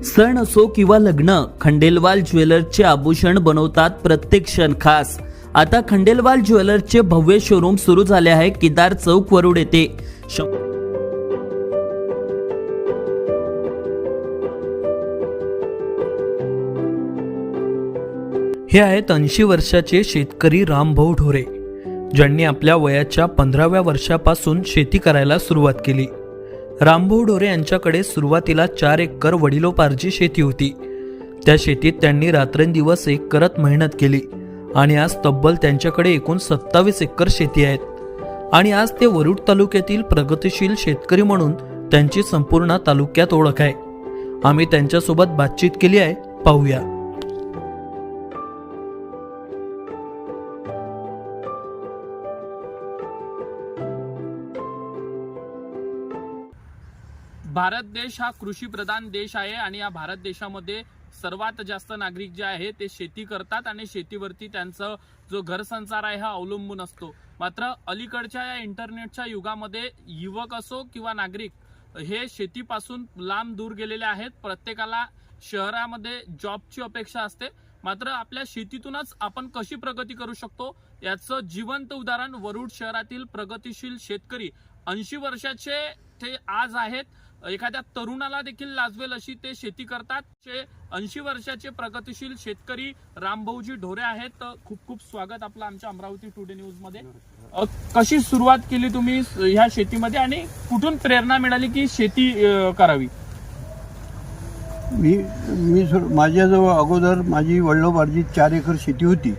सण असो किंवा लग्न, खंडेलवाल ज्वेलर्सचे आभूषण बनवतात प्रत्येक क्षण खास. आता खंडेलवाल ज्वेलर्सचे भव्य शोरूम सुरू झाले आहे केदार चौक वरुड येथे. हे आहेत 80 वर्षाचे शेतकरी रामभाऊ ढोरे, ज्यांनी आपल्या वयाच्या 15व्या वर्षापासून शेती करायला सुरुवात केली. रामभाऊ ढोरे यांच्याकडे सुरुवातीला 4 एकर वडिलोपार्जित शेती होती. त्या शेतीत त्यांनी रात्रंदिवस एक करत मेहनत केली आणि आज तब्बल त्यांच्याकडे एकूण 27 एकर शेती आहेत. आणि आज ते वरुड तालुक्यातील प्रगतिशील शेतकरी म्हणून त्यांची संपूर्ण तालुक्यात ओळख आहे. आम्ही त्यांच्यासोबत बातचीत केली आहे, पाहूया. भारत देश हा कृषी प्रधान देश आहे आणि या भारत देशामध्ये सर्वात जास्त नागरिक जे आहे ते शेती करतात आणि शेतीवरती त्यांचा जो घरसंसार आहे हा अवलंबून असतो. मात्र अलीकडच्या या इंटरनेटच्या युगामध्ये युवक असो किंवा नागरिक हे शेतीपासून लांब दूर गेलेले आहेत. प्रत्येकाला शहरामध्ये जॉबची अपेक्षा असते. मात्र आपल्या शेतीतूनच आपण कशी प्रगती करू शकतो याचं जिवंत उदाहरण वरुड शहरातील प्रगतिशील शेतकरी 80 वर्षाचे ते आज आहेत. एखाद्या तरुणाला देखील लाजवेल अशी ते शेती करतात. 80 वर्षाचे प्रगतिशील शेतकरी रामभाऊजी ढोरे आहेत. खूप खूप स्वागत आपलं आमच्या अमरावती टुडे न्यूज मध्ये. कशी सुरुवात केली तुम्ही ह्या शेतीमध्ये आणि कुठून प्रेरणा मिळाली की शेती करावी? मी माझ्याजवळ अगोदर माझी वडिलोपार्जित 4 एकर शेती होती.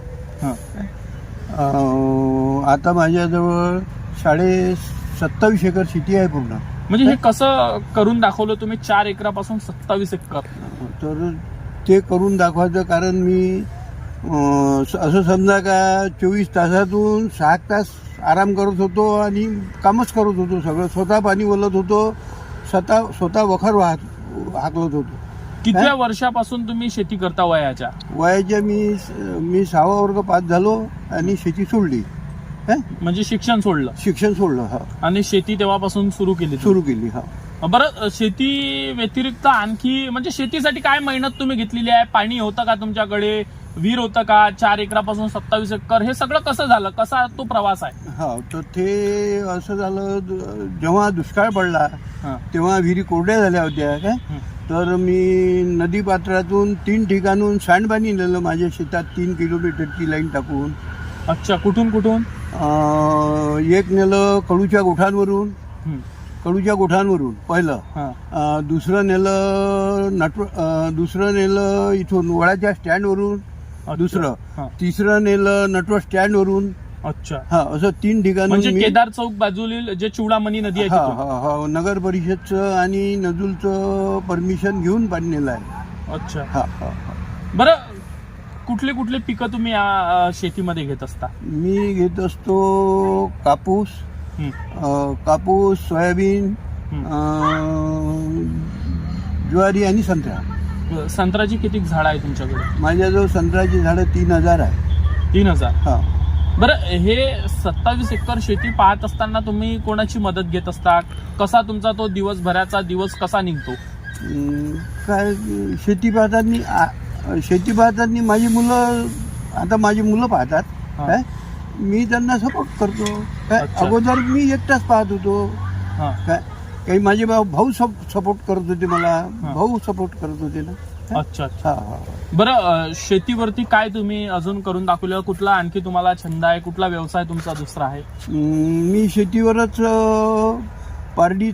आता माझ्याजवळ 27.5 एकर शेती आहे पूर्ण. म्हणजे हे कसं करून दाखवलं तुम्ही 4 एकरापासून 27 एकर? तर ते करून दाखवायचं कारण मी असं समजा का 24 तासातून 6 तास आराम करत होतो आणि कामच करत होतो. सगळं स्वतः पाणी ओलत होतो, स्वतः वखर हाकलत होतो. कितव्या वर्षापासून तुम्ही शेती करता वयाच्या? मी 6वा वर्ग पास झालो आणि शेती सोडली. म्हणजे शिक्षण सोडलं हा. आणि शेती तेव्हापासून सुरू केली हा. बरं, शेती व्यतिरिक्त आणखी म्हणजे शेतीसाठी काय मेहनत तुम्ही घेतलेली आहे? पाणी होतं का तुमच्याकडे? विहीर होतं का? 4 एकरापासून 27 एकर हे सगळं कसं झालं? कसा तो प्रवास आहे? हा, तर ते असं झालं, जेव्हा दुष्काळ पडला तेव्हा विहिरी कोरड्या झाल्या होत्या काय. तर मी नदी पात्रातून 3 ठिकाणून सांडपाणी नेलं माझ्या शेतात 3 किलोमीटरची लाईन टाकून. अच्छा, कुठून? एक नेलं कडूच्या गोठांवरून पहिलं. दुसरं नेलं इथून वळाच्या स्टँडवरून दुसरं. तिसरं नेलं नटवर स्टँडवरून. अच्छा. हा, असं 3 ठिकाणी. म्हणजे केदार चौक बाजूला जे चुडामणी नदी आहे नगर परिषदचं आणि नजूलचं परमिशन घेऊन पाणी नेलं आहे. अच्छा. हा. बरं, कुठले पिकं तुम्ही शेतीमध्ये घेत असता? मी घेत असतो कापूस, सोयाबीन, ज्वारी आणि संत्रा. संत्र्याची किती झाड आहे तुमच्याकडे? माझ्याजवळ संत्र्याची झाडं 3000 आहे. 3000? हा. बरं, हे 27 एकर शेती पाहत असताना तुम्ही कोणाची मदत घेत असता? कसा तुमचा तो दिवसभराचा दिवस कसा निघतो? काय शेती पाहताना माझी मुलं पाहतात काय, मी त्यांना सपोर्ट करतो काय. अगोदर मी एकटाच पाहत होतो काय. काही माझे भाऊ सपोर्ट करत होते मला. भाऊ सपोर्ट करत होते ना. अच्छा. बरं, शेतीवरती काय तुम्ही अजून करून दाखवलं? कुठला आणखी तुम्हाला छंद आहे? कुठला व्यवसाय तुमचा दुसरा आहे? मी शेतीवरच पारडी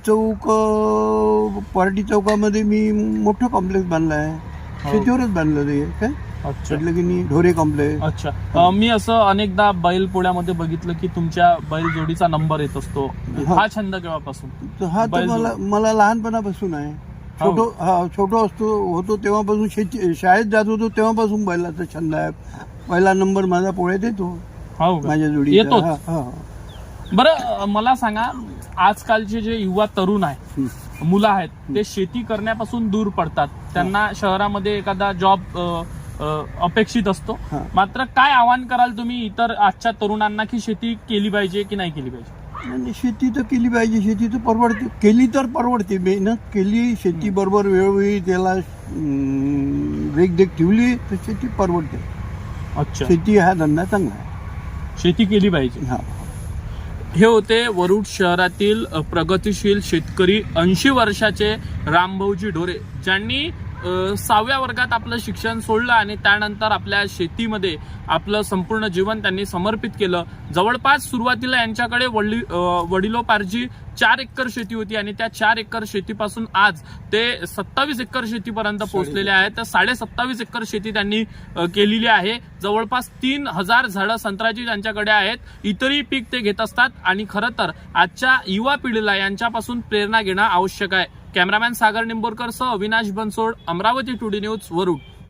चौकामध्ये मी मोठं कॉम्प्लेक्स बांधलं आहे. शेतीवरच बांधलं ते काय. म्हटलं की नाही, ढोरे कॉम्प्लेक्स. अच्छा. मी असं अनेकदा बैल पोळ्यामध्ये बघितलं की तुमच्या बैल जोडीचा नंबर येत असतो. हा छंद केव्हापासून? हा तर मला लहानपणापासून आहे. छोटो होतो तेव्हापासून शाळेत जात होतो तेव्हापासून बैलाचा छंद आहे. पहिला नंबर माझा पोळ्यात येतो. माझ्या जोडी येतो. बरं, मला सांगा, आजकालचे जे युवा तरुण आहे, मुलं आहेत, ते शेती करण्यापासून दूर पडतात. त्यांना शहरामध्ये एखादा जॉब अपेक्षित असतो. मात्र काय आवाहन कराल तुम्ही इतर आजच्या तरुणांना की शेती केली पाहिजे की नाही केली पाहिजे? आणि शेती तर केली पाहिजे, शेती तर परवडते, केली तर परवडते. मेहनत केली शेती बरोबर वेळोवेळी त्याला देखरेख ठेवली तर शेती परवडते. अच्छा, शेती हा धंदा चांगला आहे. शेती केली पाहिजे. हा. हे होते वरुड शहरातील प्रगतिशील शेतकरी 80 वर्षाचे रामभाऊजी ढोरे, ज्यांनी 6व्या वर्गात आपलं शिक्षण सोडलं आणि त्यानंतर आपल्या शेतीमध्ये आपलं संपूर्ण जीवन त्यांनी समर्पित केलं. जवळपास सुरुवातीला यांच्याकडे वडिलोपार्जी 4 एकर शेती होती आणि त्या 4 एकर शेतीपासून आज ते 27 एकर शेतीपर्यंत पोहोचलेले आहेत. तर 27.5 एकर शेती त्यांनी केलेली आहे. जवळपास 3000 झाडं संत्र्याची त्यांच्याकडे आहेत. इतरही पीक ते घेत असतात आणि खरं तर आजच्या युवा पिढीला यांच्यापासून प्रेरणा घेणं आवश्यक आहे. कॅमेरामॅन सागर निंबोरकर सह अविनाश बनसोड, अमरावती टुडे न्यूज, वरुड.